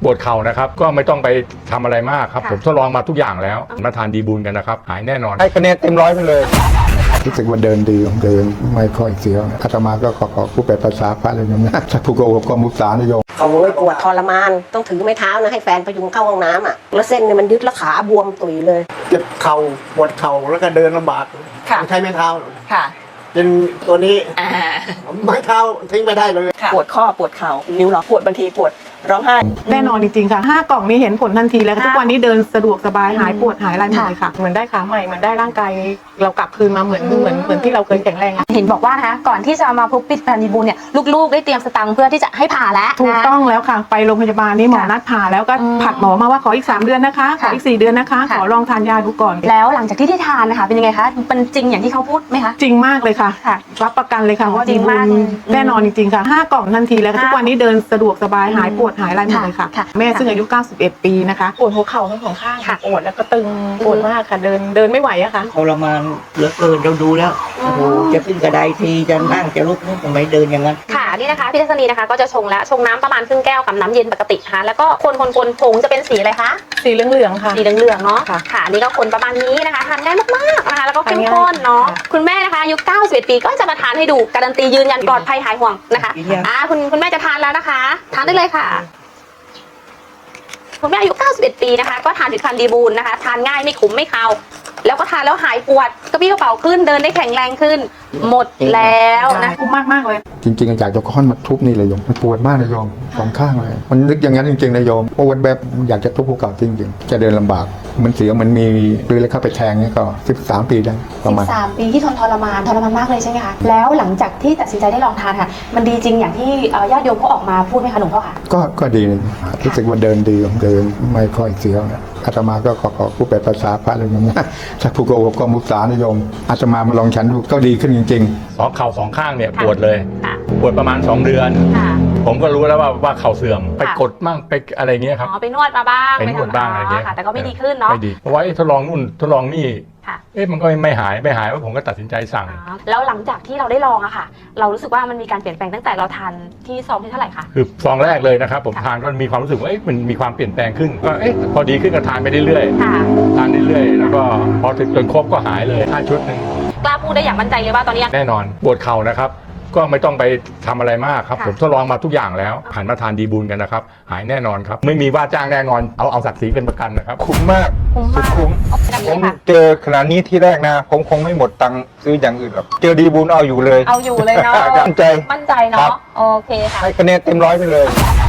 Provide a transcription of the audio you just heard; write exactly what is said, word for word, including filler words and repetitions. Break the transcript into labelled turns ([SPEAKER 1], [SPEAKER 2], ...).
[SPEAKER 1] ปวดเข่านะครับก็ไม่ต้องไปทำอะไรมากครับผมทดลองมาทุกอย่างแล้วมาทานดีบูลกันนะครับหายแน่นอน
[SPEAKER 2] ให้คะแนนเต็มร้อยไปเลย
[SPEAKER 3] รู้สึกว่าเดินดีเดินไม่ค่อยเสียวอาตมาก็ขอขอผู้แปลภาษาพระเลยนะถ้าผู้โกหกก็มุสานะโยม
[SPEAKER 4] เขาเลยปวดทรมานต้องถือไม้เท้านะให้แฟนพยุงเข้าห้องน้ำอ่ะแล้วเส้นเนี่ยมันยึดแล้วขาบวมตุยเลย
[SPEAKER 2] เจ็บเข่าปวดเข่าแล้วก็เดินลำบากใช้ไม้เท้า
[SPEAKER 5] ค่ะ
[SPEAKER 2] เป็นตัวนี้ไม้เท้าทิ้งไม่ได้เลย
[SPEAKER 5] ปวดข้อปวดเข่านิ้วล็อกปวดบางทีปวดร้องไห้
[SPEAKER 6] แน่นอนจริงๆค่ะห้ากล่องนี้เห็นผลทันทีแล้วทุกวันนี้เดินสะดวกสบายหายปวดหายอะไรหมดเลยค่ะเหมือนได้ขาใหม่เหมือนได้ร่างกายเรากลับคืนมาเหมือนเหมือนเหมือนที่เราเคยแข็งแรง
[SPEAKER 7] เห็นบอกว่านะคะก่อนที่จะมาพบปิดพันธีบูลเนี่ยลูกๆได้เตรียมสตังค์เพื่อที่จะให้ผ่าแล้ว
[SPEAKER 6] ถูกต้องแล้วค่ะไปโรงพยาบาลนี่หมอนัดผ่าแล้วก็ผัดหมอมาว่าขออีกสามเดือนนะคะขออีกสี่เดือนนะคะขอลองทานยาดูก่อน
[SPEAKER 7] แล้วหลังจากที่ได้ทานนะคะเป็นยังไงคะเป็นจริงอย่างที่เขาพูดไหมคะ
[SPEAKER 6] จริงมากเลยค่ะรับประกันเลยค่ะว่าดีบูลแน่นอนจริงๆค่ะห้ากล่องทันทีแล้วทุกวันนี้เดินสะดวกสบายหายปวดหายอะไรหมดเลยค่ะแม่ซึ่งอายุเก้าสิบเอ็ดปีนะคะปวดหัวเข่าทั้งสองข้างปวดแล้วก็ตึงปวดมากค่ะเดินเดินไม่ไหวอะค่ะ
[SPEAKER 2] ทรมานเหลือเกินเราดูแล้วโอ้โหจะขึ้นกระไดทีจะนั่งจะลุกนี่ทำไมเดินอย่างนั้น
[SPEAKER 7] ค่ะนี่นะคะพี่ทัศนีนะคะก็จะชงแล้วชงน้ำประมาณครึ่งแก้วกับน้ำเย็นปกตินะคะแล้วก็คนคนคนผงจะเป็นสีอะไรคะ
[SPEAKER 6] สีเหลืองๆค่ะ
[SPEAKER 7] สีเหลืองๆเนาะค่ะนี่ก็คนประมาณนี้นะคะทานง่ายมากๆนะคะแล้วก็เข้มข้นเนาะคุณแม่นะคะอายุเก้าสิบเอ็ดปีก็จะมาทานให้ดูการันตียืนยันปลอดภัยหายห่วงนะคะอ่าคุณคุณแม่จะทานแล้วนะคะทานได้เลยค่ะคุณแม่อายุเก้าสิบเอ็ดปีนะคะก็ทานผลิตภัณฑ์ดีบูลนะคะทานง่ายไม่ขมไม่คาวแล้วก็ทานแล้วหายปวดกระปี้กระเป๋าขึ้นเดินได้แข็งแรงขึ้นหมดแล้วนะ
[SPEAKER 6] คุ้มมากมากเลย
[SPEAKER 3] จริงๆอยากจะค้อนมาทุบนี่เลยโยมมันปวดมากเลยโยมสองข้างเลยมันนึกอย่างนั้นจริงๆเลยโยมปวดแบบอยากจะทุบภูเขาจริงๆจะเดินลำบากมันเสียวมันมีเลือดเข้าไปแทงนี่ก็สิบสามปีได้ประมาณ
[SPEAKER 7] สิบสามปีที่ทนทรมานทรมานมากเลยใช่ไหมคะแล้วหลังจากที่ตัดสินใจได้ลองทานค่ะมันดีจริงอย่างที่ญาติโยมเขาออกมาพูดไหมคะหลวงพ่อคะ
[SPEAKER 3] ก็ก็ดีรู้สึกว่าเดินดีเดินไม่ค่อยเสียวนะอาตมาก็ขอขอผู้แปลภาษาพระเลยนะถ้าผู้โกหกก็มุสานะโยมอาตมามาลองฉันดูก็ดีขึ้นจริง
[SPEAKER 1] ๆสองเข่าสองข้างเนี่ยปวดเลยปวดประมาณสองเดือนผมก็รู้แล้วว่าว่าเข่าเสื่อมไปกดมั่งไปอะไรเงี้ยครับ
[SPEAKER 7] อ๋อไปนวดมาบ้าง
[SPEAKER 1] ไปนวดบ้างอะไรเงี้ย
[SPEAKER 7] แต่ก็ไม่ดีขึ้นเนาะ
[SPEAKER 1] ไม่ดีเพราะว่าทดลองนู่นทดลองนี่เอ๊ะมันก็ไม่หายไม่หายว่าผมก็ตัดสินใจสั่ง
[SPEAKER 7] แล้วหลังจากที่เราได้ลองอะค่ะเรารู้สึกว่ามันมีการเปลี่ยนแปลงตั้งแต่เราทานที่ซองที่เท่าไหร่คะ
[SPEAKER 1] คือซองแรกเลยนะครับผมทานก็มีความรู้สึกว่าเอ๊ะมันมีความเปลี่ยนแปลงขึ้นก็เอ๊ะพอดีขึ้นก็ทานไปเรื่อยๆทานเรื่อยๆแล้วก็พอถึงจนครบก็หายเลยห้าชุดนึง
[SPEAKER 7] กล้าพูดได้อย่างมั่นใจเลยว่าตอนนี้
[SPEAKER 1] แน่นอนปวดเข่านะครับก็ไม่ต้องไปทำอะไรมากครับผมทดลองมาทุกอย่างแล้วหันมาทานดีบูลกันนะครับหายแน่นอนครับไม่มีว่าจ้างแน่นอนเอาเอาศักดิ์ศรีเป็นประกันนะครับ
[SPEAKER 2] คุ้มมากสุดคุ้มผมเจอขนาดนี้ที่แรกนะผมคงไม่หมดตังค์ซื้ออย่างอื่นหรอกเจอดีบูลเอาอยู่เลย
[SPEAKER 7] เอาอยู่เลยเนาะ
[SPEAKER 2] มั่นใจ
[SPEAKER 7] มั่นใจเนาะโอเคค่ะ
[SPEAKER 2] ให้คะแนนเต็มร้อยไปเลย